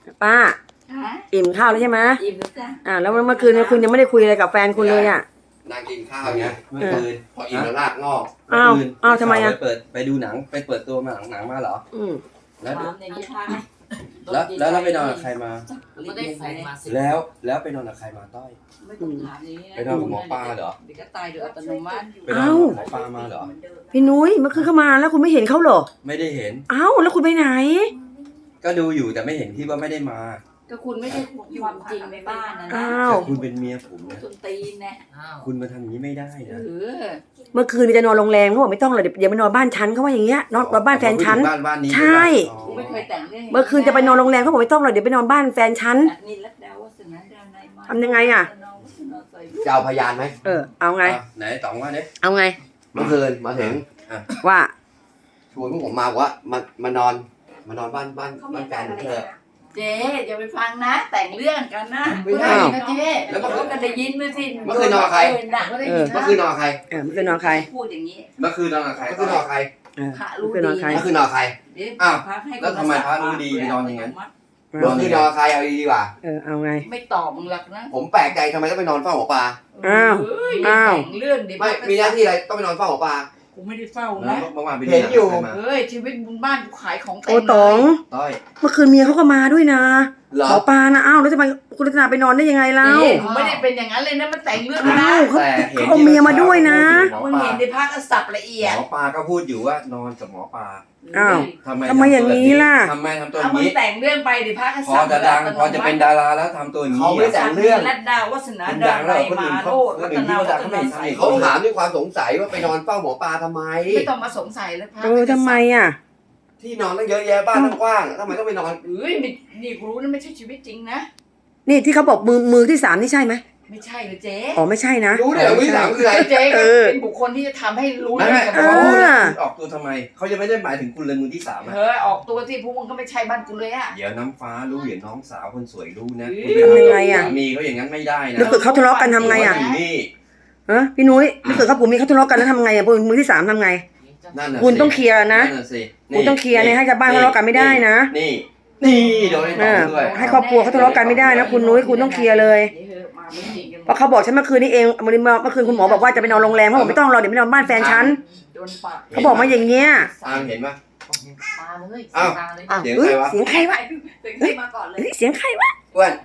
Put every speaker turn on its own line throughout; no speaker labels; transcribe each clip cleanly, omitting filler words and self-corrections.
ป้าอิ่มข้าวแล้วใช่ไหม
อิ่มแล้วจ้ะ
แล้วเมื่อคืนคุณยังไม่ได้คุยอะไรกับแฟนคุณเลยอ่ะ
นั่งกินข้าวอย่างเงี้ยเมื่อคืนพออิ่มแล้วลากงอก
อ้าวทำไมอ่ะ
ไปดูหนังไปเปิดตัวมาหนังมาเหรอ แล้ว
ถามอย่างนี้ค่ะ
แล้วไปนอนกับใครมา
ไม่ได้แฟนมาสิ
แล้วไปนอนกับใครมาต้อย
ไม่ต้องถามอย่างนี้
ไปนอนกับหมอปลาเหรอ
เดี๋ยวก็ตายโดยอัตโนมัติ
ไปนอนกับหมอปลามาเหรอ
พี่นุ้ยเมื่อคืนเข้ามาแล้วคุณไม่เห็นเขาเหรอ
ไม่ได้เห็น
แล้วคุณไปไหน
ก็ดูอยู่แต่ไม่เห็นที่ว่าไม่ได้มา
ก็คุณไม่ใช่ความจริงในบ้านนะนะ
แต่คุณเป็นเมียผมนะ
ต้นตีนนะ
คุณมาทำอย่างนี้ไม่ได้
เอ
นะ
อ
เมื่อคืนจะนอนโรงแรมเขาบอกไม่ต้องเลยเดี๋ยวไปนอนบ้านฉันเขาว่าอย่างเงี้ยนอนบ้านแฟนฉัน
บ้านนี้
ใช่
กูไม่เคยแต่งเรื่อง
เมื่อคืนจะไปนอนโรงแรมเขาบอกไม่ต้องเลยเดี๋ยวไปนอนบ้านแฟนฉัน
นี่รัตดาวัฒนาดานายมา
ทำยังไงอะ
จะเอาพยานไหม
เอาไง
ไหนต๋องว่าเนี่ย
เอาไง
เมื่อคืนมาถึง
ว่า
ชวนพวกผมมาบอกว่ามานอนบ้านแฟนเธอ
เจ๊อย่าไปฟังนะ แต่งเรื่องกันนะ
ไม่ใช่
นะเจ๊
แล้วเมื่อคืน
ก็ได้ยินมาสิ
เมื่อคืนนอนกับใคร
ก็ได้ยิน
เมื่อคืนนอนกับใคร
เมื่อคืนนอนใคร
พูดอย่างนี้
เมื่อคืนนอนกับใคร
เมื่อคืนนอนกับใคร
พระรู้
เมื่อคืนนอน
ดี
ใคร
เมื่อคืนนอนกับใคร
เดี๋ยว
อ้าว
พระให้
แล้วทำไมพระรู้ดีไปนอนอย่างนั้น
เมื่อคืนนอนกับใครเอาดีๆว่า
เอาไง
ไม่ตอบมึงหรอกนะ
ผมแปลกใจทำไมต้องไปนอนเฝ้าหมอปลา
อ้าว
เฮ้ย
อ้าว
แต่งเรื่องดิ
ไม่มีหน้าที่อะไรต้องไปนอนเฝ้าหมอปลา
กูไม่ได้เฝ้า
แล้ว
นะ
เมื่อวานไป
เห็นอยู่
ใครมา
เฮ้ยชีวิตบนบ้านกูขายของเต็ม
โอ้ต๋อง
ต้อย
เมื่อคืนเมียเขาก็มาด้วยนะ
เหรอ
หมอปลานะแล้วทำไมคุณรัตนาไปนอนได้ยังไงเล่า
เจ๊ผมไม่ได้เป็นอย่างนั้นเลยนะมันแต่งเรื่องนะ
เขา
แต่เห็น
เอาเมียมาด้วยนะ
มึงเห็นในภาคก็สับละเอียด
หมอปลาก็พูดอยู่ว่านอนกับหมอปลา
อ้าว
ทำไม
ทำไมอย่างนี้ล่ะ
ทำไมทำตัวอ
เอา
ย่าง
มึง
นี้
แต่งเรื่องไปดิภาคก็
พอ
สับ
จะดังพอจะเป็นดาราแล้วทำตัวอย่างนี้
เขาไม่แต่งเรื่อง
รัตดาวัฒนา
คุณ
ดา
ดังแล้ว
นาย
คนอื่
มาน โน
เขา
รัตนาวัฒนาใส
เขาถามด้วยความสงสัยว่าไปนอนเฝ้าหมอปลาทำไม
ไม่ต้องมาสงสัยแล้วพระ
ทำไมอ่ะ
ที่นอนตั้งเยอะแยะบ้านตั้งกว้างทำไมต้องไปนอน
เฮ้ยนี่กูรู้นะไม่ใช่ชีวิตจริงนะ
นี่ที่เขาบอกมือที่3นี่ใช่ไหม
ไม่ใช่เลยเจ๊
ไม่ใช่นะ
รู้เดี๋ยววิสามคืออะไร
เจ๊ก็
เออ
เป็นบุคคลที่จะทำให้รู้
ไม่
เรื่
ไม่
องกับ
เขา
เขา
พูด
อ่า
คุณออกตัวทำไมเขายังไม่ได้หมายถึงคุณเลยมือที่สามอะ
เฮ้ยออกตัวที่พวกมึงก็ไม่ใช่บ้านกูเลยอะ
เดี๋ยวน้ำฟ้ารู้เดี๋ยวน้องสาวคนสวยรู้นะ
เฮ้ย
คุณ
ทำยังไงอะ
สามีเขาอย่างนั้นไม่ได้นะ
แล้วเกิดเขาทะเลาะกันทำไงอ่ะ
อยู่นี่
พี่นุ้ยถ้าเกิดเขาผมมีเขาทะเลาะกันแล้วทำไงอ่ะมือที่3ทำไง
นั่นน่ะ
คุณต้องเคลียร์นะ
นั่นน่ะสิ
คุณต้องเคลียร์เนี่ยให้ชาวบ้านทะเลาะกันไม่ได้นะ
นี่โดนไอ้ต่อด้วย
ให้ครอบครัวเขาทะเลาะกันไม่ได้นะคุณนุ้ยคุณต้องเคลียร์เลย
นี่เถอะมาไม่จริงกันหม
เพราะเขาบอกฉันเมื่อคืนนี้เองเมื่อคืนคุณหมอบอกว่าจะไปนอนโรงแรมเขาบอกไม่ต้องรอเดี๋ยวไปนอนบ้านแฟนฉัน
โดนปาก
เขาบอกมาอย่างเงี้ย
อามเห็นปะ
ตาเลย
อ้าว
ตาเลย
อ้าว
เสียง
เฮ้ย
ใครวะ
เสียงใครวะ
เสียงที่มาก่อนเลย
เสียงใครวะ
อ้วน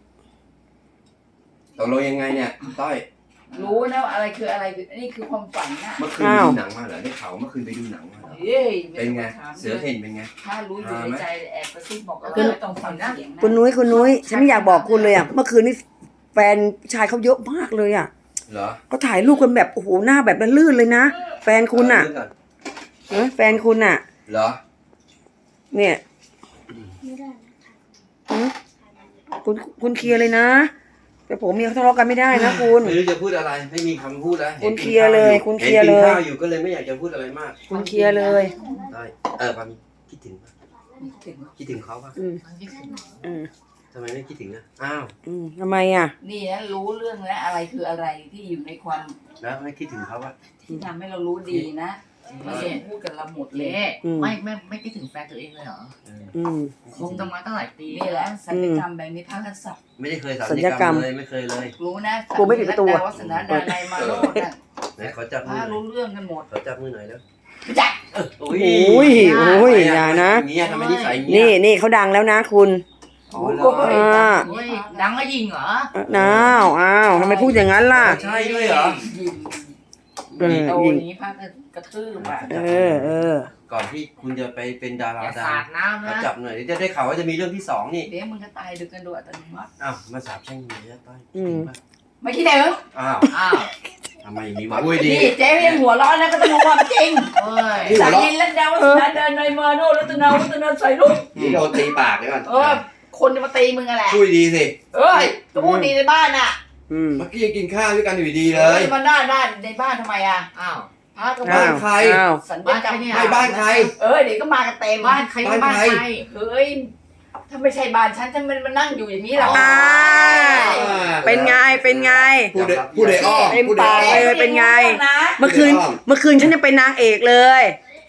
ตกลงยังไงเนี่ยต้อย
รู้นะว่าอะไรคืออะไรนี่คือความฝันนะ
เมื่อคืนไปดูหนังมาเหรอได้ข่าวว่าเมื่อคืนไปดูหนังมาเหรอ
เฮ้ย
เป็นไง
ม่ต้ถาม
เสือเห็นเป็นไง
ถ้ารู้อยู่ในใจแอบกระซิบบอกว่าไม่ต้องฟังเสียงนะ
คุณนุ้ยฉันไม่อยากบอกคุณเลยอ่ะเมื่อคืนนี้แฟนชายเขาเยอะมากเลยอ่ะ
เหรอ
เขาถ่ายรูปกันแบบโอ้โหหน้าแบบลื่นเลยนะแฟนคุณอ่ะ
เาเรื่องก่
แฟนคุณอ่ะ
เหรอ
เนี่ย คุณเคลียร์เลยนะแต่ผมมีเขาทะเลาะกันไม่ได้นะคุณ
ไม่รู้จะพูดอะไรไม่มีคำพูดแล้ว
คุณเคลียร์เลยคุณเคลียร์เลย
ห็นกินข้าวอยู่ก็เลยไม่อยากจะพูดอะไรมาก
คุณเคลียร์เลย
ได้ปามีคิดถึงปะคิดถึงเขาปะ
อืม
ทำไมไม่คิดถึงอ่ะอ้าว
ทำไมอ่ะ
นี่นะรู้เรื่องแล้วอะไรคืออะไรที่อยู่ในความ
แล้วไม่คิดถึงเขาปะ
ที่ทำให้เรารู้ดีนะไม่ใช่พูดกับเราหมดเลย
ไม่คิดถึงแฟนตัวเองเลยเหรอ
อืม
คงต้องมาตั้งหลายปี
นี่แหละสัญญกรรมแบบนี้พระกษัตริย์
ไม่ได้เคย
สัญญกรรม
เลยไม่เคยเลย
รู้นะ
กูไม่ปิดประตู
สัญ
อะ
ญาวัฒนาดานายมาโนดน่ะ
ไหนขอจับ
พ
มื
ระ
อหน่อย
รู้เรื่องกันหมด
ขอจับมือหน่อยแล้ว
จัก
โอ้
โอ้ยอย่านะ
อย่างเงี้ยทำไมนิสัยอย่างเงี้ย
นี่เขาดังแล้วนะคุณ
อ๋อเหร
โอ้
อย
โอ้ยดังก็ยิงเหรอ
อ้าวทำไมพูดอย่างนั้นล่ะ
ใช่ด้วยเหรอ
ยิง
เออ
โต
ยิง
นี้พระกระทืบอ่ะ
เออ
ก่อนที่คุณจะไปเป็นดารา
อย่า
ดั
สาง ดน้ำ
ขอ
นะ
จับหน่อยเดี๋ยวจะได้ข่าวว่าจะมีเรื่องที่2นี่
เดี๋ยวมึงก็ตายดึกกันโดยอัตโนมัติ
อ้าวมาสาบแช่งเมียต้อย
ไม่คิดถึง
อ้าว
อ้าว
ทำไมอย่างนี้วะอุ้ยดี
นี่เจ๊ยังหัวร้อนแล้วก็ต้องรู้ความจริง
โอ้ย
นี่หั
สาว
เราะ
ยินและดาวัฒนาดานายมาโนรัตนาวัฒนาใส่ลูก
นี่โดนตีปากเลยก่อน
คนจะมาตีมึงอะแหละ
ช่วยดีสิ
เอ้ยก็พูดดีในบ้านน่ะ
เมื่อกี้ยังกินข้าวด้วยกันอยู่ดีเลย
มันด้านในบ้านทำไมอ่ะ
อ้าว
พระก็
บ้า
บ้าน น
ใคร
สัญ
บ้า
ญาน กรรม
ใครเนี่ย
ไม่บ้านใคร
เดี๋ยวก็มากันเต็ม
บ้านใครก็บ้านใคร
เฮ้ยถ้าไม่ใช่บ้านฉันมันมานั่งอยู่อย่างนี้หรอ
เป็นไง
พูดได้อ้อม
เต็ม
พูดได้
ปาก
อ้อม
เลยเป็นไง
นะ
เมื่อคืนฉันยังเป็นนางเอกเลย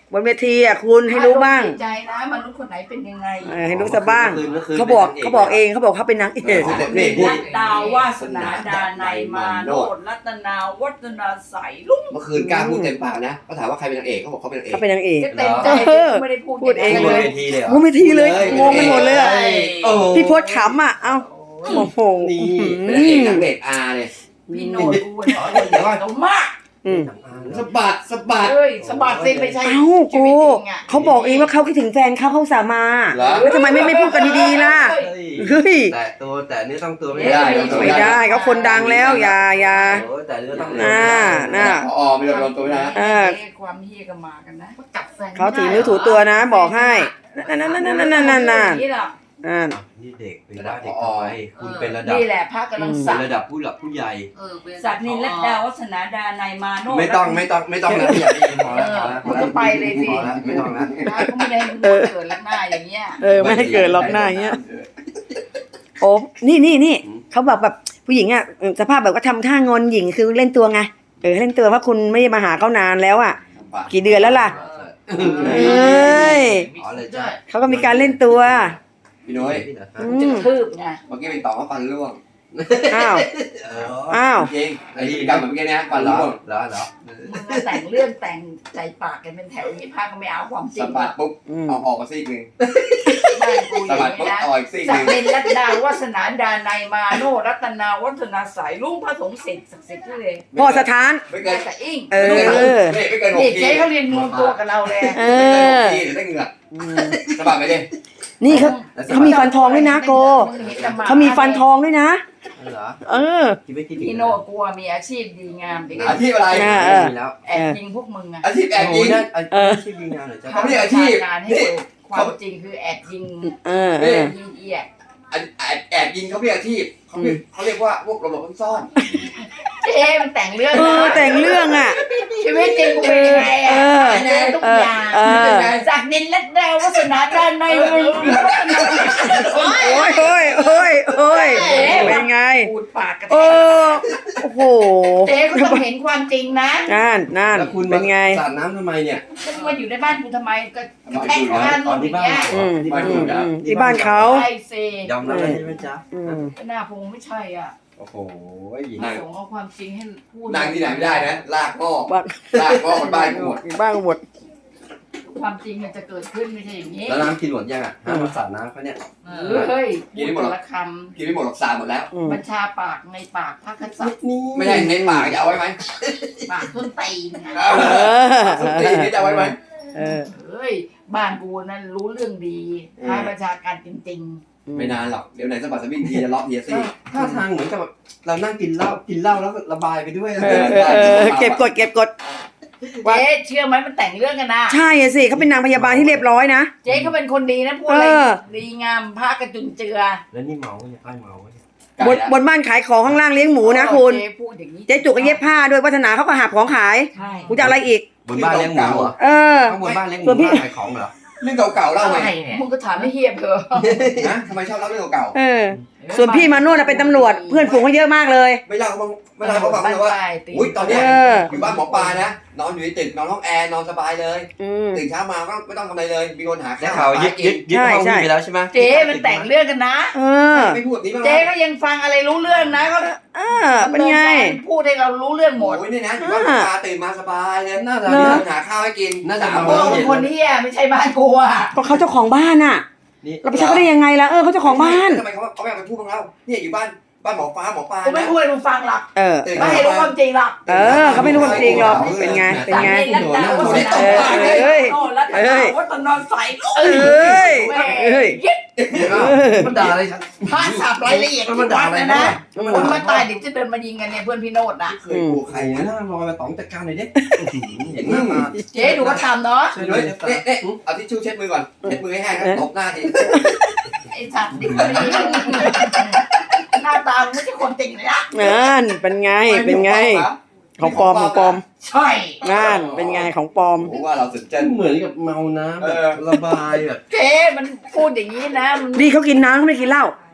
บนเวทีอ่ะคุณให้รู้บ้าง
ใจนะมนุษย์คนไหนเป็นยังไง
ให้รู้สักบ้าง
มื่คืน
เขาบอกเองเขาบอกเขาเป็นนางเอก
นี่พูด
รัตดาวาสนาดานัยมาโนดรัตนาวัฒนาใสลุง
เมื่อคืนกล้าพูดเต็มปากนะเขาถามว่าใครเป็นนางเอกเขาบอกเขาเป็นนางเอก
เขาเป็นนางเอก
ก็เต็มใจไม่ได้พูด
พูดเอง
บ
เล
น
ย
เวทีเลยเหรอ
โอ้ไม่ทีเลยงงไปหมดเลยอ่ะ
โอ้โห
พี่พศขำอ่ะเอ้าโอ้โห
นี่เป็นนางเอกนางเอกอาเลย
พี่โนดกูเดี๋ยวต้องมาก
อืม
สะบัดสะบัด
เฮ้ยสะบัดสิไม่ใช่
เอ้ากูเขาบอกเองว่าเขาคิดถึงแฟนเขาสามา
เหรอ
แล้วทำไมไม่พูดกันดีๆล่ะเฮ้ย
แต่ตัวแต่เนื้อต้องตัวไม่
ไม่ได้
ได้
ไม่ได้เขาคนดังแล้วอย่า
โอ้แต่เนื้อต้อง
น่า
พอไม่โดนตัวไม่ได้นะ
ความเฮียก็มากันนะ
จับแฟน
เขาถือนิ้วถูตัวนะ บอกให้นั่น
นี่แหละ
นี่เด็กเป็นว่าเด็กทำไมคุณเป็นระดับ
นี่แหละพระกำลัง
เป็
สั
น
ก
ระดับผู้หลักผู้ใหญ่
สักนินรัตดาวัฒนาดานัยมาโน
ไม่ต้องนะอย่าได้ยินพอแล้วพอแล้ว
กูจะไปเลยสิ
พอแล้วไม่ต้องนะ
พระก็ไม่ได้เกิดลักหน้าอย่างเงี้ย
ไม่ให้เกิดล็อกหน้าอย่างเงี้ยโอ้นี่เขาแบบผู้หญิงอ่ะสภาพแบบว่าทำท่างอนหญิงคือเล่นตัวไงเล่นตัวเพราะคุณไม่ได้มาหาเขานานแล้วอ่ะ กี่เดือนแล้วล่ะ เอ้ย
อ๋อเลยจ้ะ
เขาก็มีการเล่นตัว
พี่น้อย
จะคืบไง
เมื่อกี้เป็นต่อว่าฟันร่วง
อ้าวอ้าว
จริงไอ้ที่กรรมแบบเมื่อกี้นะฟัน
เหรอ
ร่วง
เหรอ
มึงก็แต่งเรื่องแต่งใจปากกันเป็นแถวอย่างนี้พระก็ไม่เอาความจริ
สะ
ง
บัดปุ๊บเอาออกมาซีกหนึ่ง
บ้านกูอ
สะ
ย่าง
บัด
นี้
ปุ๊บ
นะ
เอาอีกซีกห
สัก
นึ่ง
นินรัตดาวัฒนาดานัยมาโนรัตนาวัฒนาสายลุงพระสงฆ์เสร็จศักดิ์สิทธิ์ที่เลย
พ่อสถาน
ไม่เกิน
แต่อิง
ไม่เกินหก
เด็ก
ที
เจ๊เขาเรียนรวมตัวกับเราเลย
ไม่เกินหกทีเดี๋ยวได้เหงื่อสะบัดไปดิ
นี่เขามีฟันทองด้วยนะโกเขามีฟันทองด้วยนะ
เหรอ
อ
คิดไม่คิดถึง
พี่โน่กลัวมีอาชีพดีงามเด็ก
อาชีพอะไร
มีแล้ว
แอบยิงพวกมึงอะ
อาชีพแอบยิง
อาชีพยิงงานเหรอจ๊ะ
เขาไม่ได้อาชีพ
งานให้ดูความจริงคือแอบยิง ยิงเอียด
แอบยิงเขาเรียกอาชีพเขาเรียกว่าพวกหลบซ่อน
เจ๊มันแต่งเรื่องนะ
แต่งเรื่องอ่ะ
ชีวิตจริงกูเป็นยังไงอะนะทุกอย่างจากนินและดาววัฒนาด้านในมึง
โอ้ยเป็นไง
พูดปากกระแท
โอ้
ก
โอ้โห
เจ๊ก็ต้องเห็นความจริงนะ
นั่น
แล้วคุณ
เป็นไง
สาดน้ำทำไมเนี่ย
ก็มาอยู่ในบ้านกูทำไมก็กระแทกบ้านมึงอย่างเงี้ย
ที่บ้านเขา
ใช่สิ
ยอมรับได้ไหมจ๊ะ
หน้าพงไม่ใช่อ่ะ
โอ้โห
ส่งเอาความจริงให้พูด
นั่งที่ไหนไม่ได้นะลากงอก
บ้าน
ลากงอกคนบ้านกูหมด
บ้านหมด
ความจริงมันจะเกิดขึ้นไม่ใช่อย่างนี้
แล้วน้ำกินหมดยังอ่ะห้ามมาสาดน้ำเขาเนี่ย
เฮ้ยพูดแต่ละค
กินไม่หมดหรอกสาหมดแล้ว
ำบัญชาปากในปากพระกษัตริย์
ไม่ใช่ในปากจะเอาไว้ไหม
ปากต้นตีนไง
สุดที่นี่จะเอาไว้ไหม
เฮ้ยบ้านกูนั่นรู้เรื่องดีทางประชาการจริง
ไม่นานหรอกเดี๋ยวไหนสะบัดสะบิ้งทีจะล็อกเฮียซี่
ท่าทางเหมือนกับเรานั่งกินเหล้าแล้วก็ระบายไปด้วย
เก็บกด
ๆเจ๊เชื่อไหมมันแต่งเรื่องกันนะ
ใช่สิเขาเป็นนางพยาบาลที่เรียบร้อยนะ
เจ๊เขาเป็นคนดีนะพูดอะไรดีงามพระกระจุนเจือ
แล้วนี่เมาเนี่ยใกล้เมาเนี่ย
บนบ้านขายของข้างล่างเลี้ยงหมูนะคุณ
เจ๊พูดอย่างนี้
เจ๊จุกก็เย็บผ้าด้วยวัฒนาเขาก็หาของขาย
ใช่
กูจะอะไรอีก
บนบ้านเลี้ยงหมูเหรอ ข้างบนบ้านเลี้ยงหมูบ้านขายของเหรอ
เรื่องเก่าๆเล่าไง
มึงก็ถามไม่เฮียเถอะ
นะทำไมชอบเล่าเรื่องเก่า
ส่วนพี่มาโน่นเป็นตำรวจเพื่อนฝูงเขาเยอะมากเลย
ๆไม่เล่าเขาฟังเลยว่าอุ้ยตอนเนี้ยอยู่บ้านหมอปลานะนอนอยู่ในตึกนอนห้องแอร์นอนสบายเลยตื่นเช้ามาก็ไม่ต้องทำอะไรเลยมีคนหา
ได้
ข้าว
ข่าวยึดห้องนี้ไปแล้วใช่ไหม
เจ๊มันแต่งเรื่องกันนะ
ไม่พูดแบบนี้บ้าง
เจ๊ก็ยังฟังอะไรรู้เรื่องนะก็
เป็นไง
พูดให้เรารู้เรื่องหมด
โอ้ยนี่นะอยู่บ้านหมอปลาตื่นมาสบายเลย
น่าจะ
มีคนหาข้าวให้กิน
น่าจะ
3
โอ้เป็นคนเฮียไม่ใช่บ้านกูอ่ะ
ก็เขาเจ้าของบ้านอ่ะ
นี่
เราไปใช้เขาได้ยังไงล่ะเขาเจ้าของบ้าน
ทำไมเขาไม่เอาไปพูดบ้างเล่าเนี่ยอยู่บ้านหมอปลา
กูไม่
นะ
พูดให้มึงฟังหรอก
ตื่น
ไม่ให้รู้ความจริงหรอก
เขาไม่รู้ความจริงหรอกเป็นไง
จากนี้รัตดาวัฒนารัตดาวัฒนาใสลูก
มันด่าอะไรฉัน
พระสับรายละเอียดที่วัดนะคนมาตายเดี๋ยวจะเดินมายิงกันเนี่ยเพื่อนพี่โนดนะ
เคยกูใคร
ไอ้
นะ
หน้าลอยมาต้องจัดการหน่อยดิเห็นหน้ามา
เจ๊ดูก็ทำเนาะ
ช่วย
เฮ้
ด้วย
ยเนี่ยเอาทิชชู่เช็ดมือก่อนเช็ดมือให้แห้งตบหน้าที
ไอ้สัตว์นี่คนนี้หน้าตาไม่ใช่คนจริงเลยนะ
นั่นเป็นไงของปลอม
ใช่
นั่นเป็นไงของปลอม
ผมว่าเราสุดเจน
เหมือนกับเมาน้ำแบบระบายแบบ
เจ๊มันพูดอย่างนี้นะมัน
ดีเขากินน้ำเขาไม่ได้กินเหล้า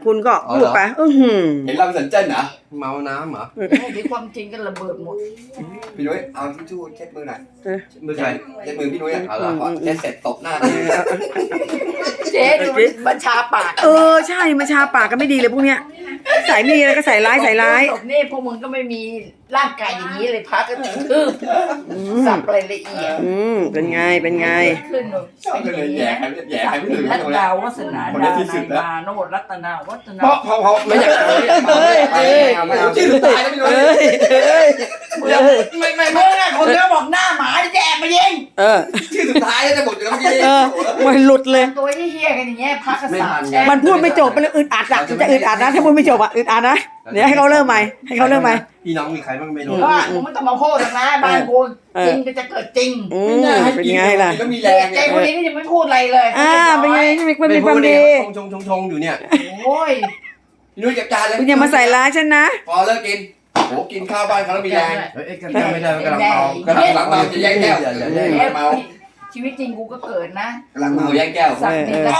คุณก็พูดไปหือ
เห็นเราเป็นสันเจิ้นเหรอ
เมาน้ำเหรอ
ให้ที่ความจริงกันระเบิดหมด
พี่นุ้ยเอาทิชชู่เช็ดมือหน่อย
มือใคร
เช็ดมือพี่นุ้ยอ่ะ
เอาเหรอ
พอเช็ดเสร็จตบหน้าเลย
เจ๊ดูบัญชาปาก
ใช่มาชาปากกันไม่ดีเลยพวกเนี้ยใส่ไม่ดีแล้วก็ใส่ร้าย
ศพนี่พวกมึงก็ไม่มีร่างกายอย่างนี้เลยพักก็ทืบสับรายละเอียด
เป็นไงเป็นไง
ขึ้น
ชอบกันเลยแย่ใครแย่ใครไม่ถึง
รัต
ตรงนี้
ดาวัฒนาดานายมาโนรัตนาวัฒนา
เพราะไม่อยากไม่เอา
ชื่อตายแล้วพี่นุ้ย
ไม่มึงอะคนเดียวบอกหน้าหมาจะแอบมายิง
ชื่อสุดท้ายแล้วจะหมดอยู่แล้วเมื่อกี้
มันหลุดเลย
ตัวเฮี้ยๆกันอย่างเงี้ยพักก็สับ
มันพูดไม่จบมันเลยอึดอัดอะจะอึดอัดนะถ้าพูดไม่จบอะอึดอัดนะเดี๋ยวให้เขาเริ่มใหม่ให้เขาเริ่มใหม่
พี่น้องมีใครบ้างไม่รู้
ว่ามึงไม่ต้องมาพูดหรอกนะบ้านกูจริงก็จะเกิดจริง
เป็นไงล่ะ
ก็มีแร
เจ๊
ง
คนนี้ก็ยังไม่พูดอะไรเลย
เป็นไงมันมีความดี
ชงอยู่เนี่ย
โอ้ย
พี่นุ้ยเก็บจานเลย
คุณอย่ามาใส่ร้ายฉันนะ
พอเลิกกินโหกินข้าวบ้านเขาแล้วมีแรง
เอ้ยจำไม่ได้กำลังเมาก
ำลังเมาจะแย่งแก้วเมา
ชีวิตจริงกูก็เกิดนะ
กำลังเมาแย่งแก้ว
สักดินแล้ว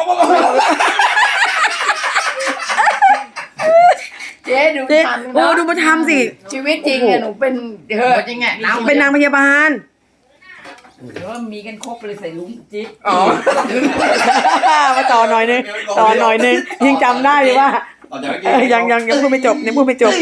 เจ๊ดูทำ
โอ้ดูมาทำสิ
ชีวิตจริงเนี่ยหนูเป็น
จริงอ่ะน้ำ
เป็นนางพยาบาล
เดี๋ยวมีกันครบเลยใส่ลุงจิ๊บ
อ๋อ
มาต่อหน่อยนึงยังจำได้เลยว่า
ต่อจากเมื่อกี้
ยังพูดไม่จบยังพูดไม่จบ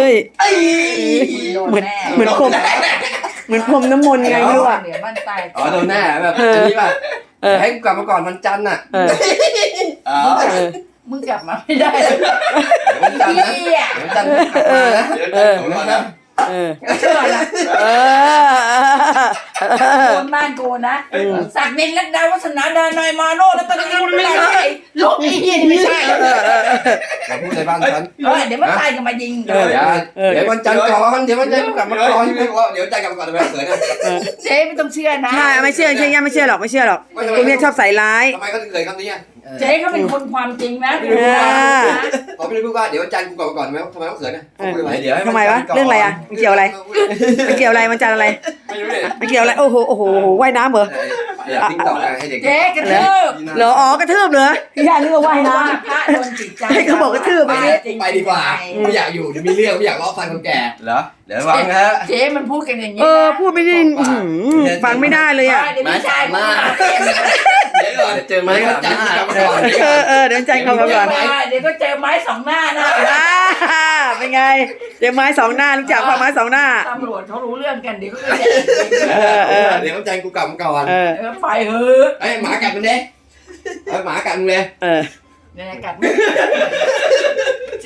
เหมือนพรมน้ำมนต์ไงไม่รู้อะ
เหนือบ้านใต้
อ๋อโดนแน่แบบอันนี้ป่ะให้กลับมาก่อนวันจันทร์น่ะอ๋อ
มึงกลับมาไม่ได้
วันจันทร์นะ
เฮีย
วันจันทร์กลับมานะเดี๋ยวจันทร์กลับมานะ
เชื่อละคนบ้านกูนะสักดินรัตดาวัฒนาดานายมาโนแล้วตอนนี้มันไม่ใช่ลูกไอ้เฮียนี่ไม่ใช่
อย่าพูดในบ้านฉัน
เดี๋ยวมันตายกันมายิง
เดี๋ยววันจันทร์ก่อนเดี๋ยววันจันทร์กลับมาก่อนเดี๋ยวจันทร์กลับมาก่อนทำไมเขินอ่ะ
เจ๊ไม่ต้องเชื่อนะ
ใช่ไม่เชื่อไม่เชื่อหรอกพวกนี้ชอบใส่ร้าย
ทำไมเขาถึงเขินคำนี้อ่ะ
เจ๊เขาเป็นคนความจริงนะ
เขาไม่ได้พูดว่าเดี๋ยววันจันทร์กูกลับมาก่อนทำไมเขาเขินอ่ะพูดทำไม
เดี๋ยว
ทำไมวะเรื่องอะไรอะมันเกี่ยวอะไรมันจันอะไร
ไม่รู้เลย
มันเกี่ยวอะไรโอ้โหว่ายน้ำเหรอ
ติ๊กต็อกให้เด็ก
เจ๊กระทืบ
เหรออ๋อกระทืบเหรอย่านึกว่าว่ายน้
พระโดนจิตใจ
ให้เขาบอกกระทืบ
ไปดีกว่าไม่อยากอยู่เดี๋ยวมีเรื่องไม่อยากล้อฟันคนแก่
เหรอเดี๋ยววางนะฮะ
เจ๊มันพูดกันอย่างนี้
พูดไม่ได้ฟังไม่ได้เลยอ่ะ
เดี๋ยวไม่ใช่
มา
เดี๋ยวก่อน
เจอไหม
วันจันทร์กลับมาก่อน
เดินใจเขาก่อน
เดี๋ยวก็เจอไม้สองหน้านะ
เป็นไงเดี๋ยวไม้สองหน้ารู้จักว่าไม้สองหน้า
ตำรวจเขารู้เรื่องกันเดี๋ยวก็จะ
เดี๋ยววันจันทร์กูกลับมาก่อน
ไปเถอะ
ไอ้หมากัดมันเด้หมากัดมันเลย
เนี่ยกัด